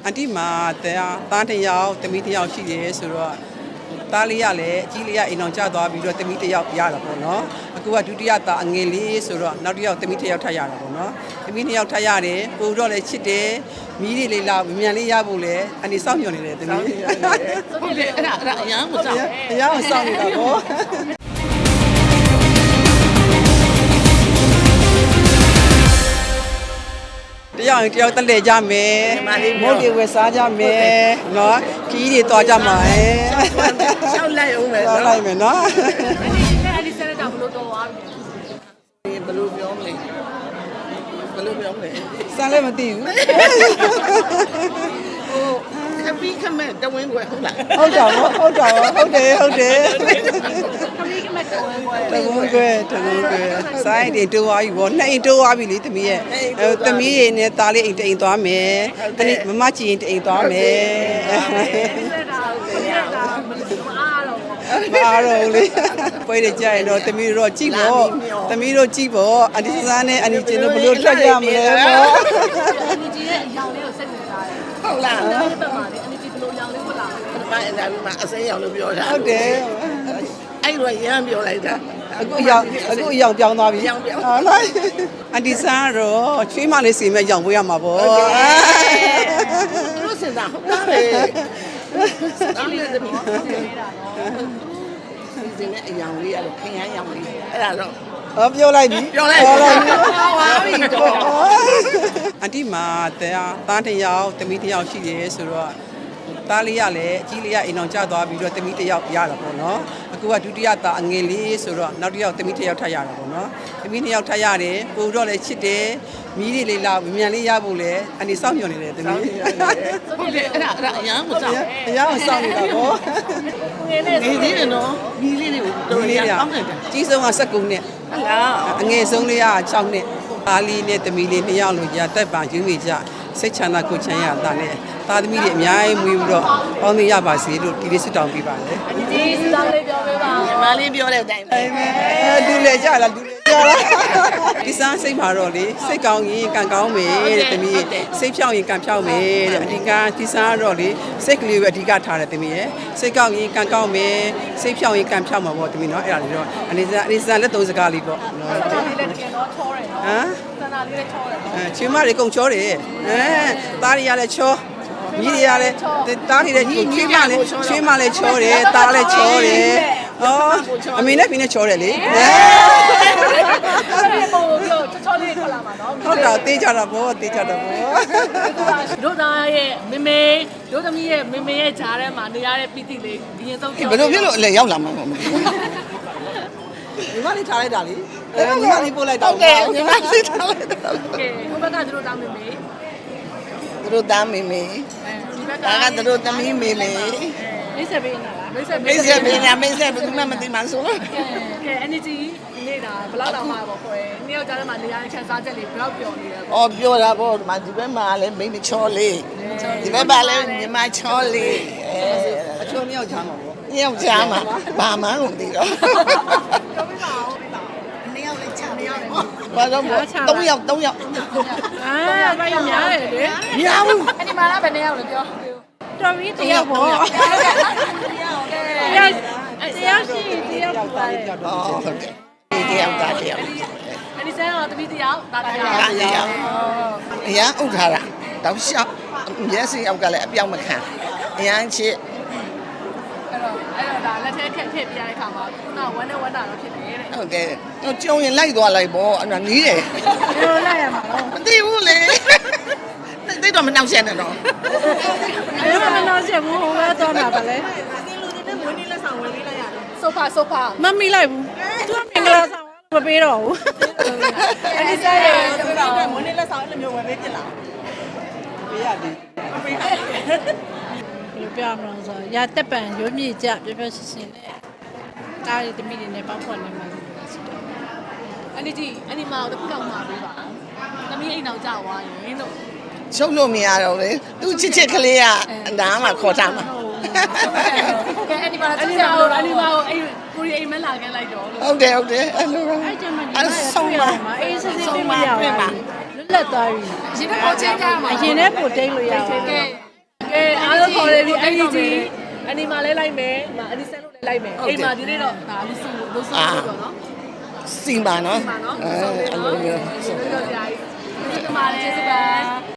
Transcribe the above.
အန်တီမှာသားတစ်ယောက်သမီးတစ်ယောက်ရှိတယ်ဆိုတော့သားလေးရလည်းအကြီးလေးရအိမ်အောင်ကျသွားပြီးတော့သမီးတစ်ယောက်ရတာပေါ့နော်အခုကဒုတိယသားအငယ်လေးဆိုတော့နောက်တစ်ယောက်သမီးတစ်ယောက်ထပ်ရတာပေါ့နော်သမီးနှစ်ယောက်ထပ်ရတယ်ပို့တော့လည်းချစ်တယ်မီးလေးလာမြန်လေးရဖို့လည်းအန်တီစောင့်မျှော်နေတယ်သမီးဟုတ်တယ်အဲ့ဒါအရန်ကိုစောင့်အရန်ကိုစောင့်နေတာပေါ့တယောက်တယောက်တက်လေကြမယ်မုတ်တွေဝယ်စားကြမယ်နော်ခီးတွေတွားကြမှာရှောက်လိုက်အောင်မယ်တွားလိုက်မယ်နော်အဲ့ဒီဆက်တော့ဘလို့တော့သွားပြီဘယ်လိုပြောမလဲဘယ်လိုပြောမလဲစမ်းလည်းမသိဘူးခပီးခမဲ့တဝင်းွယ်ဟုတ်လားဟုတ်တာဟုတ်တယ်ခမီးကမတော်ဝင်ပွဲတကုန်းကွယ်စိုင်းတွေတိုးသွားပြီဗောနှစ်အိမ်တိုးသွားပြီလေသမီးရဲ့သမီးတွေနဲ့သားလေးအိမ်တအိမ်သွားမယ်တနေ့မမကြည့်ရင်တအိမ်သွားမယ်ဆက်တာဟုတ်တယ်ဒါမအားတော့မအားတော့လေပွဲတွေကြာရင်တော့သမီးတို့ကြည့်ပေါ့သမီးတို့ကြည့်ပေါ့အဒီစားနဲ့အဒီကျင်းတို့ဘလို့ထွက်ကြမလဲပေါ့အန်ဂျီရဲ့အရောင်လေးကိုစိတ်ဝင်စားတယ်ဟုတ်လားအဲ့ဒီပတ်မှာလေအန်ဂျီဘလို့ရောင်လေးဝတ်လာတယ်ဘာအဲ့ဒါမှအစိမ်းရောင်လို့ပြောတာဟုတ်တယ်အဲ့လိုရမ်းပြောလိုက်တာအခုအယောင်ပြောင်းသွားပြီဟုတ်လားအန်တီဆန်းတော့ချွေးမလေးစီမဲ့ရောင်ပွေးရမှာပေါ့သူတို့စင်တာဟုတ်လားလေတောင်းရတယ်ပေါ့ဟုတ်တယ်နေတာတော့စီစဉ်တဲ့အယောင်လေးရတော့ခင်ရမ်းရောင်လေးအဲ့ဒါတော့ပြောလိုက်ပြီပြောလိုက်ပါပြီတော့အန်တီမှာသားတစ်ယောက်သမီးတစ်ယောက်ရှိတယ်ဆိုတော့သားလေးရလည်းအကြီးလေးရအိမ်အောင်ကျသွားပြီးတော့သမီးတစ်ယောက်ရတာပေါ့နော်အခုကဒုတိယသားအငယ်လေးဆိုတော့နောက်တစ်ယောက်သမီးတစ်ယောက်ထပ်ရတာပေါ့နော်သမီးနှစ်ယောက်ထပ်ရတယ်ပို့တော့လည်းချစ်တယ်မီးလေးလာမြန်လေးရဖို့လည်းအန်တီစောင့်မျှော်နေတယ်သမီးဟုတ်တယ်အဲ့ဒါအရန်ကိုစောင့်အရန်ကိုစောင့်နေတာပေါ့ငယ်နဲ့နေသေးတယ်နော်မီးလေးတွေကိုတော်ရအောင်တယ်ကြီးဆုံးက19နှစ်ဟုတ်လားအငယ်ဆုံးလေးက6နှစ်သားလေးနဲ့သမီးလေးနှစ်ယောက်လို့ကြာတက်ပါယူနေကြစိတ်ချမ်းသာကိုချမ်းရတာနဲ့သားသမီးတွေအများကြီးမွေးပြီးတော့ပေါင်းသင်းရပါစေလို့ဒီလေးဆုတောင်းပေးပါတယ်အန်ဂျီစတောင်းလေးပြောပေးပါညီမလေးပြောတဲ့အတိုင်းပဲဒူလေကြလားဒီစားစိတ်မှာတော့လေစိတ်ကောင်းရင်ကံကောင်းမယ်တဲ့သမီးစိတ်ဖြောင်းရင်ကံဖြောင်းမယ်တဲ့အဓိကဒီစားတော့လေစိတ်ကလေးပဲအဓိကထားတယ်သမီးရဲ့စိတ်ကောင်းရင်ကံကောင်းမယ်စိတ်ဖြောင်းရင်ကံဖြောင်းမှာပေါ့သမီးနော်အဲ့ဒါလေးတော့အနေစားလက်သုံးစကားလေးပေါ့နော်စတာလေးလည်းတကယ်တော့ချောတယ်နော်စတာလေးလည်းချောတယ်နော်ချွေးမတွေကုန်ချောတယ်သားတွေကလည်းချောညီတွေကလည်းသားတွေလည်းချွေးမလည်းချောတယ်သားလည်းချောတယ်အမေနဲ့ဖေနဲ့ချောတယ်လေအဲ့ဒီပုံကိုပြောချောလေးထွက်လာမှာနော်ဟုတ်တာတေးကြတာပေါ့တို့သားရဲ့မေမေတို့သမီးရဲ့မေမေရဲ့ဂျားထဲမှာနေရတဲ့ပီတိလေးဒီရင်ဆုံးဘယ်လိုဖြစ်လို့အလဲရောက်လာမှာမဟုတ်ဘူးညီမလေးထားလိုက်တာလေညီမလေးပို့လိုက်တာဟုတ်တယ်ညီမလေးထားလိုက်တာโอเคဟိုဘက်ကတို့သားမေမေသူတို့သားမေမေဒါကသူတို့သမီးမေမေမိတ်ဆက်ပေးနေတာလားမိတ်ဆက်ပေးနေတာဘယ်သူမှမသိမှဆိုတော့ကဲ energy နေတာဘယ်လောက်တောင်မှပေါ့ခွဲနှစ်ယောက်ကြားထဲမှာနေရာချန်စားချက်လေးဘယ်လောက်ပျော်နေလဲပေါ့ပြောတာပေါ့ဒီမှာဒီဘက်မှာလည်းမိန်းချောလေးဒီဘက်မှာလည်းညီမချောလေးအချိုးနှစ်ယောက်ချမ်းမှာပေါ့နှစ်ယောက်ချမ်းမှာဘာမှမသိတော့ပြောပြပါဦးနှစ်ယောက်လည်းချမ်းနှစ်ယောက်လည်းဘာတော့3ယောက်အာဘာရများတယ်လေများဘူးအဲ့ဒီမှာလည်းဘယ်နှစ်ယောက်လဲပြောတော်ပြီတယောက်ပေါ့တယောက်ရှိတယောက်ပါတယ်ဟုတ်တယ်တယောက်သားတယောက်အဲ့ဒီဆန်းတော့တပီးတယောက်တာတယောက်အရန်ဥထားတာတောက်လျှောက်မျက်စိယောက်ကလည်းအပြောင်းမခံအရန်ချစ်အဲ့တော့ဒါလက်ထဲခက်ခက်ပြရတဲ့ခါမှာခုနဝမ်းနဲ့ဝမ်းတာတော့ဖြစ်တယ်တဲ့ဟုတ်တယ်ကျုံရင်လိုက်သွားလိုက်ပေါ့အဲ့ဒါနီးတယ်ဘယ်လိုလိုက်ရမှာလဲမသိဘူးလေသိတော့မနှောက်ရှက်နဲ့တော့ဘယ်မှာမနှောက်ရှက်ဘူးဟိုဘက်တော့တာပါလေဒီလူတွေနဲ့ဝင်းနေလက်ဆောင်ဝင်းလေးလိုက်ရတယ်ဆိုဖာမမီလိုက်ဘူးသူကမင်္ဂလာဆောင်မပေးတော့ဘူးအဲ့ဒီဆိုင်ရတပည့်တော်ဝင်းနေလက်ဆောင်အဲ့လိုမျိုးဝယ်ပေးပြလားပေးရတယ်မပေးဘယ်လိုပြောမလဲဆိုရတက်ပံရုံးမြေကြပြပြရှင်းရှင်းနဲ့ကားရီတမိတွေနဲ့ပေါက်ဖွက်နေမှာဆိုတော့အဲ့ဒီမှာတခုတော့မှာပေးပါသမီးအိမ်တော်ကြောက်သွားရင်လို့ချုပ်လို့မရတော့လေသူချစ်ကလေးကဒါမှခေါ်ထားမှာကဲအဲ့ဒီမှာအဲ့ဒီမှာအဲ့ကိုရီအိမ်မလာခဲ့လိုက်တော့ဟုတ်တယ်အဲ့လိုအဲ့ကျမကြီးဆုံးပါအေးစစ်စစ်လေးမရပါဘူးလွတ်လပ်သွားပြီအရင်ကပို့ချင်းကြမှာအရင်နဲ့ပို့တိတ်လို့ရပါအဲ့ဒီကြီးအနီမာလဲလိုက်မယ်အနီဆန်လို့လဲလိုက်မယ်အိမ်မှာဒီနေ့တော့ဒါလူစုလို့ဆိုတော့နော်စီမာနော်ဒီမှာနော်ဆိုတော့နော်ဆိုတော့ကြာကြီးဒီမှာလဲကျေးဇူးပါ